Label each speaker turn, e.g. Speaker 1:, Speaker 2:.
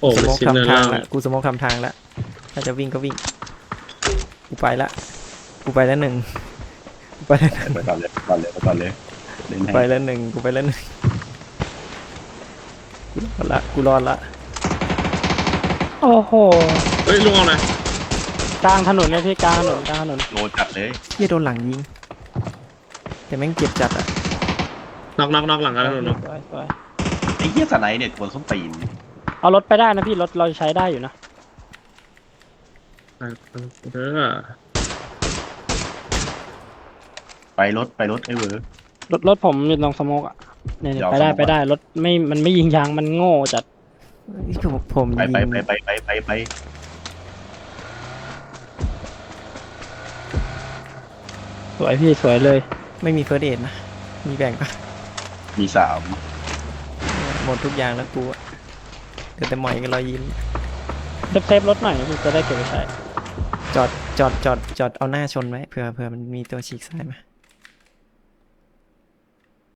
Speaker 1: อ้
Speaker 2: ส
Speaker 1: มัน
Speaker 2: โมก
Speaker 1: ชิดเนิน
Speaker 2: ทำทาง
Speaker 1: ล่าง
Speaker 2: ละกูสโมกทำทางละถ้าจะวิ่งก็วิ่งกูไปละกูไปแล้วหนึ่งกูไปแล้ว
Speaker 3: ไปก่อนเลยก่อนเลยไปก่อนเลยเล่น
Speaker 2: กู
Speaker 3: ให้
Speaker 2: ไปแล้วหนึ่งกูไปแล้วหนึ่งกูรอดละ
Speaker 4: โอ้โห
Speaker 1: เฮ้ยลุงเอาหน่อย
Speaker 4: กลางถนนเลยพี่กลางถนนกลางถนน
Speaker 3: โลจัดเลย
Speaker 2: เฮียโดนหลังยิงแต่แม่งเจ็บจัดอะ
Speaker 1: น็อกหลังกันแล้วลุง
Speaker 4: สวยสวย
Speaker 3: ไอ้เหี้ยสไนเนี่ยกวนส้นตีน
Speaker 4: เอารถไปได้นะพี่รถเราใช้ได้อยู่นะ
Speaker 1: เออ
Speaker 3: ไปรถไอ้เวอร์
Speaker 4: รถผมอยู่ตรงสโมกอ่ะเนี่ย
Speaker 3: เดี๋ยว
Speaker 4: ไปได้
Speaker 3: สโมก
Speaker 4: ไปได้รถมันไม่ยิงยางมันโง่จัด
Speaker 2: ผม
Speaker 3: ไป
Speaker 2: ยิง
Speaker 3: ไป
Speaker 4: สวยพี่สวยเลย
Speaker 2: ไม่มีเฟิร์สเอดนะมีแบ่งปะ
Speaker 3: มีสาม
Speaker 2: หมดทุกอย่างแล้วกูอะเดี๋ยวแต่หมอยกับรอยยิ้ม
Speaker 4: เซฟรถหน่อยพี่จะได้เก็บไว้ใช้
Speaker 2: จอดเอาหน้าชนไว้เผื่อมันมีตัวฉีกซ้ายมา